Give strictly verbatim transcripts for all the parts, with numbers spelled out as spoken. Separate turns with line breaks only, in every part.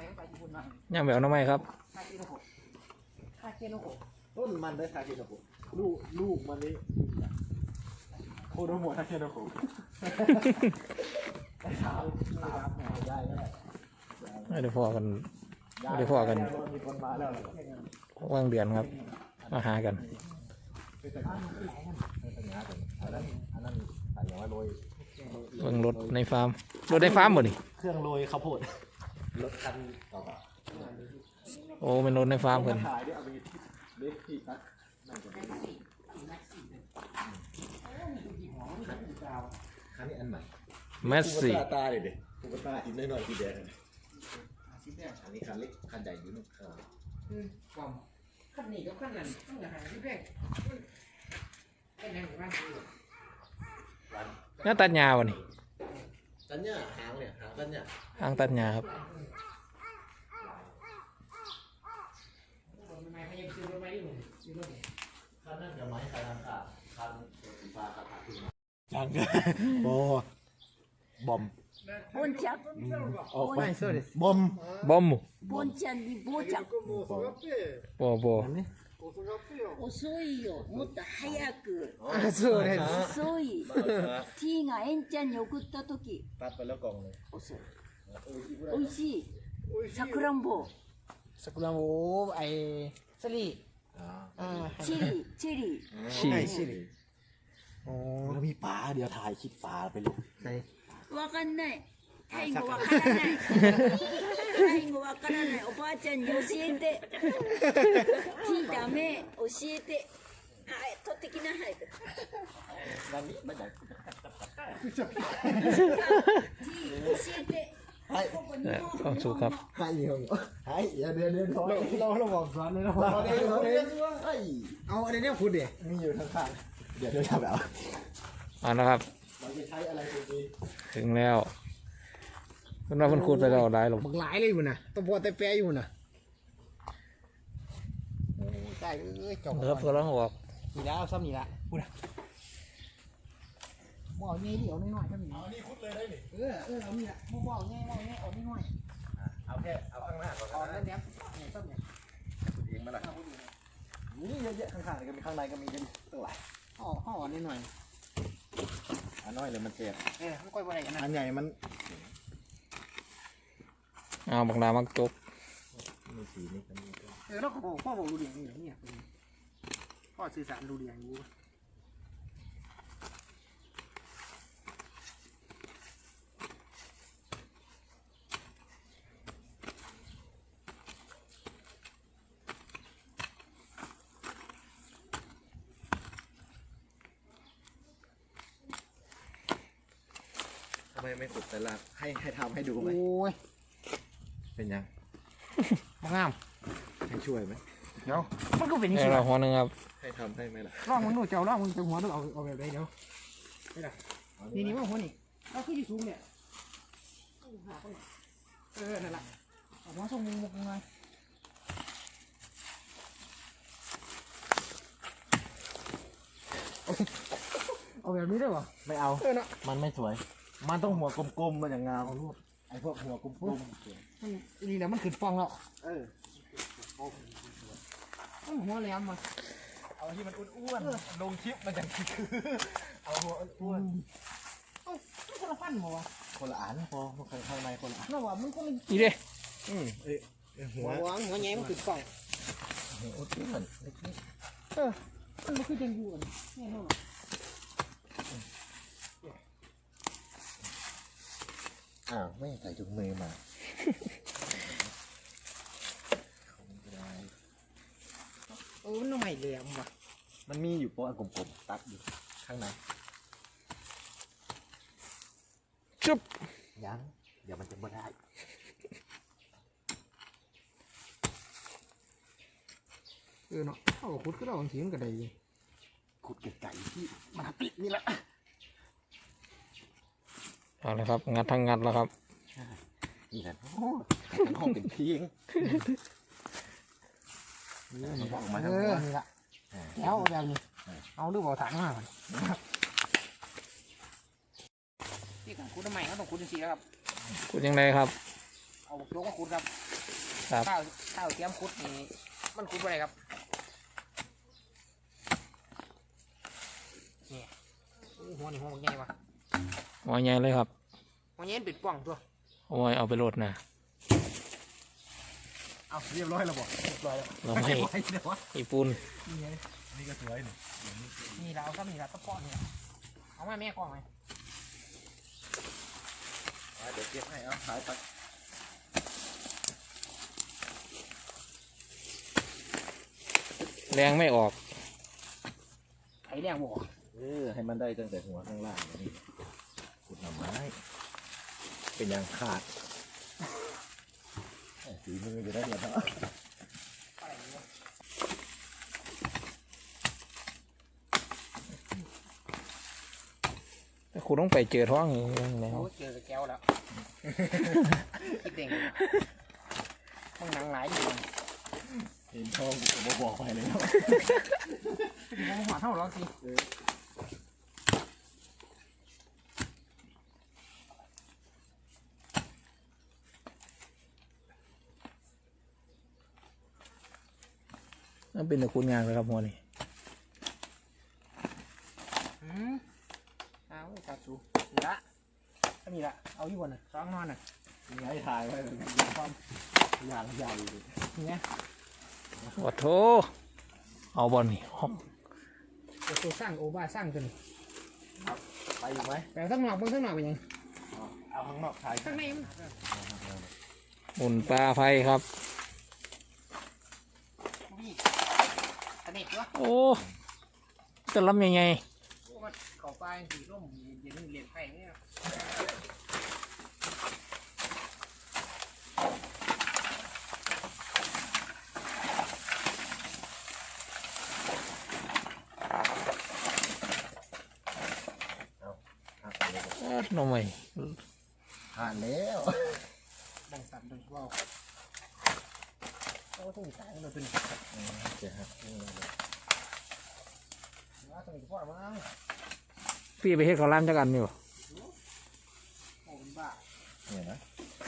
ย่างแบบน้ำไม้ครับ
ต้นมันได้ทาเคโนโกะลูกลูกมันนี่โคโดโมะทาเคโนโกะได้ถามถามได้ได้
ไม่ได้พอกันไม่ได้พอกัน
มีคนมาแล้ว
ว่างเดือนครับมาหากัน
อันนั้นอันนั้นใส่อย่างว่าโรย
เบิ่งรถในฟาร์มรถในฟาร์มบ่นี่
เครื่องโรยข้าวโพดรถคันต่อไป
โอ้เป็นรถในฟาร์มเพิ่น
ขายด้วยเอาไปเล็กที่ตัดคันนี้อันใหม่
แมสซี่
ตาตาเลยเด็กตุ๊กตาอีกน้อยๆสีแดงอันนี้คันเล็กคันใหญ่อยู่นู่น
ขั้นนี้กับขั้นนั้นต้องหาที่แรกเป็นยังไงบ้าง
น่าตัดหญ้าบ่นี่
ตันเนี่ยหางเนี่ยหางตันเนี่ย
ทางตัดหญ้าครับ
ไม่ไม่ยังซื้อรถไว้อยู่ซื้อรถ
คันนั่นกับไม้คันนั้นค่ะคันสีฟ้าคันขาขึ้นมาจังโอ้บอม
ボンちゃん、
ออกไปบอม
บอม
ボンちゃんにボーちゃん。
บ่บ่
遅いよ、もっと早く。
สู้เลย
遅い。T がエンちゃんに送った時、
ตัดไปแล้วกล่องเลย
美味しい。さくらんぼ、
สกุลาโมไอสลีอ่า
チェリー、チェリー。
ฉี่
แล้วมีปลาเดี๋ยวถ่ายคลิปปลาไปเลย
わかんない。タイ語わからない。タイ語わからない。おばあちゃんに教えて。T ダメ、教えて。はい、取ってきなさい。
วันนี้มาจาก
T 教えて。ここに
เอ่อ
も
ความสุขครับ
ให้เงินให้อย่าเดินเดินถอย
เราเราบอกร้านเลยนะ
เราเดินเราเดินเฮ้ย
เอาอะไรเนี่ยพูดเดี๋ย
มีอยู่ข้างๆเดี๋ยวเดี๋ยวทำแบบ
เอาละครับ
เราจะใช้อะไรตัวนี้
ถึงแล้วเพิ่นว่าเพิ่นขุดไปแล้วได้หรอก
บักหลายเลยมันนะตัวพอแต่แปรอยู่นะได้เอ้ยจบ
ครับกำลังออก
มีแล้วซ้ำนี่ละพูดนะหม้อเงี้ยเดี๋ยวน้อยๆซ้ำนี่
เอานี่คุดเลยได้หนิ
เออเออเอานี่ละหม้อหม้อเงี้ยหม้อเงี้ยเอาน้อย
เอาแค่เอาข้างหน้าก่อน
ๆเอาแล้วเดี๋ยวเนี่ยซ้ำเนี่ย
คุดเองมาละนี่เยอะๆข้างๆก็มีข้างในก็มีกันตั้งหลาย
ห่อห่อนิดหน่อย
อันน้อยเลยมันเจ็บ
เออไม่ค่อยอะไรกันนะ
อันใหญ่มัน
เอาบักดามักจก
มีสีนี่กัน
เออแล้วพ่อพ่อบอกดูเรียงนี่เนี่ยพ่อสื่อสารดูเรียงอยู่
ทำไมไม่ขุดแต่ละให้ให้ทำให้ดูไหม
โอ้ย
เป็นยัง
มางาม
ให้ช่วยไหม
เดี๋ยวมันก็เป็นอย่าง
เอ้
นี้
เราหัวหนึงครับ
ให้ทำให้ไหมล่ะ
ลองมึงดูเจ้าลองมึงจะหัวดูเอาเอาแบบไหนเดี๋ยวนี่แหละนี่นี่ว่าหัวนี่เราขึ้นที่สูงเนี่ยเออนั่นแหละเอาหัวส่งมุมมุมไงเอาแบบนี้ได้ป่ะ
ไม่เอา
เออเนาะ
มันไม่สวย มันต้องหัวกลมๆมันอย่างงามไอ้พวกหัวกลม
มันนี่แหละมันขึ้นฟองแล้ว
ๆเออ
มันหัวแหลมมา
เอาที่มันอ้วนๆลงคลิปมันจะคือเอาหัวอ้วน
เอ้ามันคนละฟันหมอวะ
คนละอันพอข้างข้างในคนละอัน
น่าว่ามันคนละ
อีเด้
อืมเอ้ยหั
หั
ว
วหัวหัวแง่มันขึ้นฟอง
หัวอ้วน
เออมันไม่คือจังอยู่อันแน่นอน
อ้าวไม่ใส่ถุงมือมา
เออมันทำไมแหลมวะ
มันมีอยู่โป๊ะกลมๆตัดอยู่ข้างใน
จุ๊บ
ยังเดี๋ยวมันจะไม่ได้
เออเนาะเอาขุดก็ได้บางทีมันก็ได้อยู่
ขุดไก่ที่มาปิดนี่แหละ
เอาละครับงัดทั้งงัดแล้วครับ
นี่แหละโอ้เป็นห้องเป็นเพียงมันบอกมา
เอ
ทั้งหม
อ
ด
นี่ละแล้วเอาแบบนี้เอาดูบ่อถังมาก่อนนี่การขุดทำไมเขาต้องขุดจริงๆครับ
ขุดยังไงครับ
เอาเอาโยกมาขุดครับ
ครับ
ข้าวข้าวเตรียมขุดนี่มันขุดอะไรครับนี่โอ้หัวนี่หัวมันใหญ่ปะ
หัวใหญ่เลยครับ
หัวใหญ่เป็นป่องตัว
โอ้ยเอาไปโหลดนะ
เอาเรียบร้อยแล้วบ่
เรียบร้อยแล้ว
เราไม่
ไว้เดี๋ยววะ
ญี่ปุ่น
นี่ไง
นี่ก็สวยนี่
นี่เราเอาซ้ำนี่เราตะปอนนี่เอามาแม่กล้องไหม
เดี๋ยวเก็บให้เอาขายไป
แรงไม่ออก
ไข่แดงบ่
เออให้มันได้ตั้งแต่หัวข้างล่างนี่ขุดหน่อไม้เป็นยางขาดสีมือจะได้เหรอเนาะ
แต่คุณต้องไปเจอท้องอย่างนี้แล้ว
โอ้เจอกับแก้วแล้วคิดเด้งต้องหนังหลายอยู่
เห็นทองผมบอกไปเลยเนาะ
ผมหัวเท่าหรอกสิ
นั่นเป็นแต่คุณงานเลยครับหัวนี่
อืมเอาจับสูนี่ละก็มีละเอาอยู่บนน่ะสองนอนน่ะ
มีให้ถ่ายไว้เลยความยางยาวอยู่
นี่ไง
โอ้โถเอาบอลนี่ฮอก
เดี๋ยวตัวสร้างโอบ้าสร้างตัวนี้
ไปอยู่ไหม
แต่ข้างนอกเบิ่งข้างนอกเป็นยัง
เอาข้างนอกถ่าย
ข้างในมัน
หมุนปลาไฟครับ
นี่สนิทวะ
โอ้จะรับยังไง
โอ้มันเก่าปลายสีร่มเย็นเหรียญไผ่เนี่ย
เอ้อหน่อไม่
ผ่านแล้ว
บังสันดึงว่าวโอ้ต้องมีสายมันเป็น
เจ๊ครับ
ว่าต้องมีพ่อมั้ง
พี่ไปเฮ็ดข้าวร้านจักอันนี่บ่
โอ้เป็นบ้า
เนี่ยนะ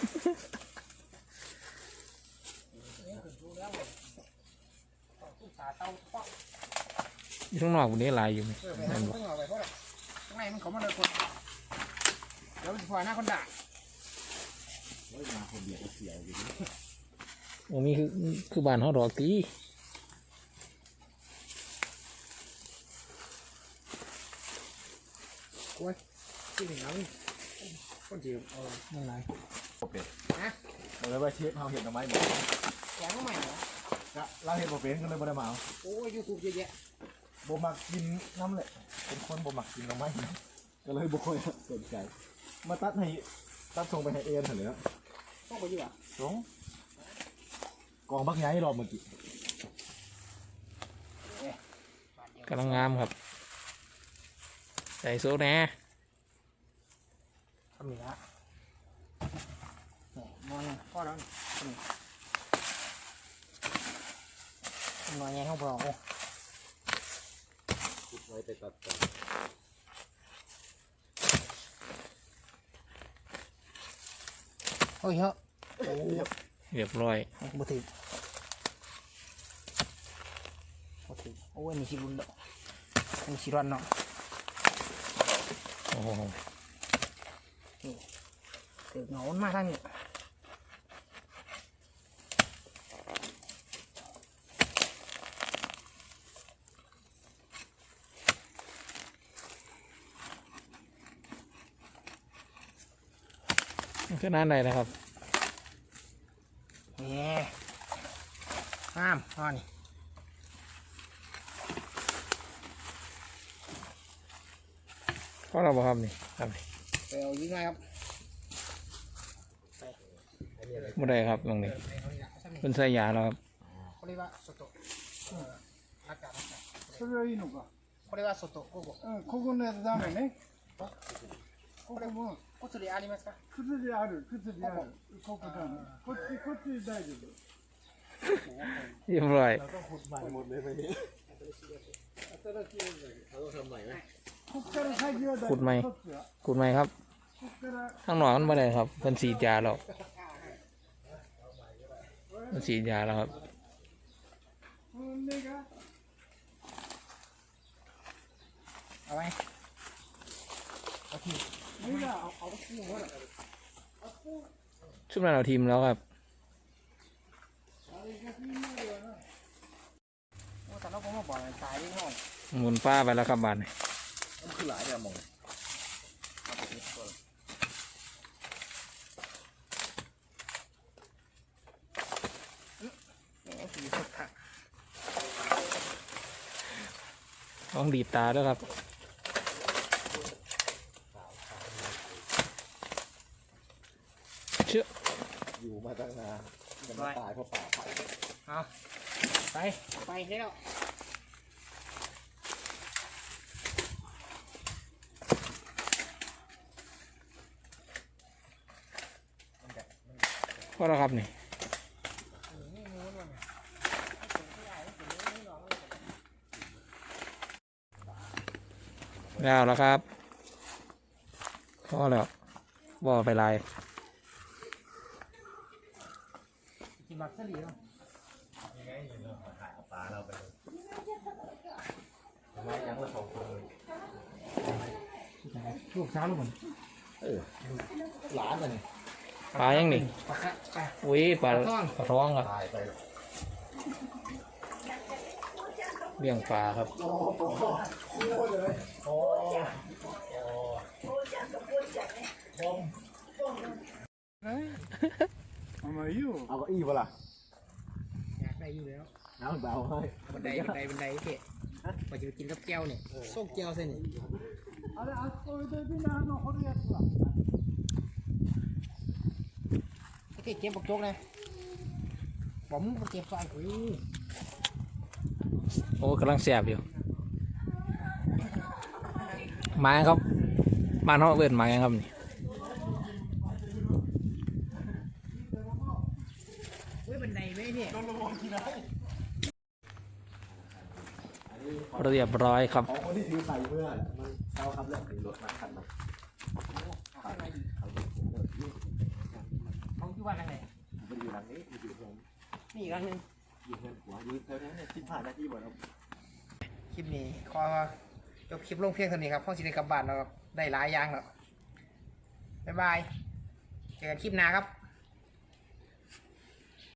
เนี่ยถึงรู้แล้วตู้สาเตาเพาะ
อยู่ข้างนอกวันนี้หลายอยู่ไหม
เออไปหาข้างนอกไปเพราะข้างในมันเขามาเลยคนเดี๋ยวมันพอหน้าคนด่า
เฮ้ยมาคนเดียวก็เสียวอยู่ดิ
โอ้มีคือคือบ้านเขาดอกตี
ที่หนึ่งแล้วคนจีบเอาเมื่อไร
โอเค
ฮะ
เราเลยว่าเชฟเราเห็นหน่อไม้หมด
แกงก็ใหม่เหรอ
ก็เราเห็นบ่เป็นก็เลยบ่ได้มาเอา
โอ้ยยูทูบเยอะแยะ
บ่มักกินน้ำเลยเป็นคนบ่มักกินหน่อไม้ก็เลยบ่ค่อยสนใจมาตัดให้ตัดส่งไปให้เอ็นเถอะเลยนะ
ต้องไปอยู่อ่ะ
ส่งกองบักใหญ่รอบเมื่อกี้
กำลังงามครับใส่โซ่แหน่
ทำหนึ่งละนอนพ่อแล้วนอนแง่ห้องเรา
คิดไว้ไปตัดต่อ
โอ้ยเฮ้ยโอ้ย
เรียบร้อย
บ่ถึงบ่ถึงโอ้ยนี่ชิรุนดอกนี่ชิรันเนาะ
โอ้โห
ถึงเหงามาทางนี้
มันคือน้านใดนะครับ
นี่งามอ่อนี่
เพราะเราบอกครับนี่ครับนี่
ไปเอายิงไงครับ
ไม่ได้ครับตรงนี้เป็นใส่ยาแล้วครับ
เขาเรียกว่าโซโตะอากาศอากาศ
それはいいのか。
เขาเรียกว่าโซโตะโกโก้
うん、ここのやつダメね。ここも、
กุศลีอาริมัสか
靴である、靴である。ここダメ。こっち、こっち大丈夫。
เรียบร้อย
เราต้องขุดใหม่หมดเลยไปนี้เราต้องทำใหม่ไหม
こっから先は大丈夫。
ขุดไหม
こっちは。
ขุดไหมครับ
こっから、
ข้างนอกมันไม่ได้ครับเป็นสีดยาแล้วมันฉีดยาแล้วครับ
เอาไว้เอาทีนี่ละเอาเอาคู่หัวละ
ช่วงนั้นเราทีมแล้วครับ
แต่เราผมมาบอกตายที่ห้อง
หมุนป้าไปแล้วครับบานนี้
มันคือหลายเดือนมอง
สีสุดค่ะ
ต้องดีดตาด้วยครับเชื่อ
อยู่มาตั้งนานจะมาตายเพราะป่าไผ่
เอาไปไปแล้ว
พอแล้วครับนี่แล้วแล้วครับพอแล้วบ่อไปลาย
กินบักซะดีเนาะ
ยังไงอยู่เรื่องของถ่ายเอาปลาเราไปเลยทำไมยังละสองคนเลย
ลูกสาวลูกเหมือน
เออหลานอ่ะนี่
ปลายังนี่
ปลาคะปลา
อุ้ยปลา
ปลาทอง
ปลาท้องครับ
ตายไป
เลี้ยงปลาครับ
โอ้โหโอ้เลยโอ้
あんまりいいよ。
เอาเก้าอี้ปะล่ะ
อยากได้อยู่แล้ว
น้ำเบาให้
บันไดบันไดบันไดเพ่ว่าจะไปกินกับแก้วเนี่ยส้มแก้วเส้นนี่
あれ、あそこ置いといてな、あの掘るやつは。
ไอ้เก็บบักโจ๊กนะบอกมึงเก็บซอยอุ้ย
โอ้กำลังแสบอยู่ไม้ครับบ้านเขาเอิ้นไม้ครับนี่
อุ้ยบันไดไม่เนี่ย
เรียบร้อยครับ
ของคนที่ถือใส่เมื่อมันเอาครับเรื่องถึงรถมาคันมา
เขาที่ว่าอะไร
มันอยู่หลังนี้มันอยู่ตรง
นี่อีกอันหนึง
อยู่เงินหัวอยู่แถวนั้นเนี่ยสิบห้านาทีหมดแล้ว
คลิปนี้ขอจบคลิปลงเพียงเท่านี้ครับพ่อสิได้กลับบ้านแล้วครับได้หลายอย่างแล้วบ๊ายบายเจอกันคลิปหน้าครับ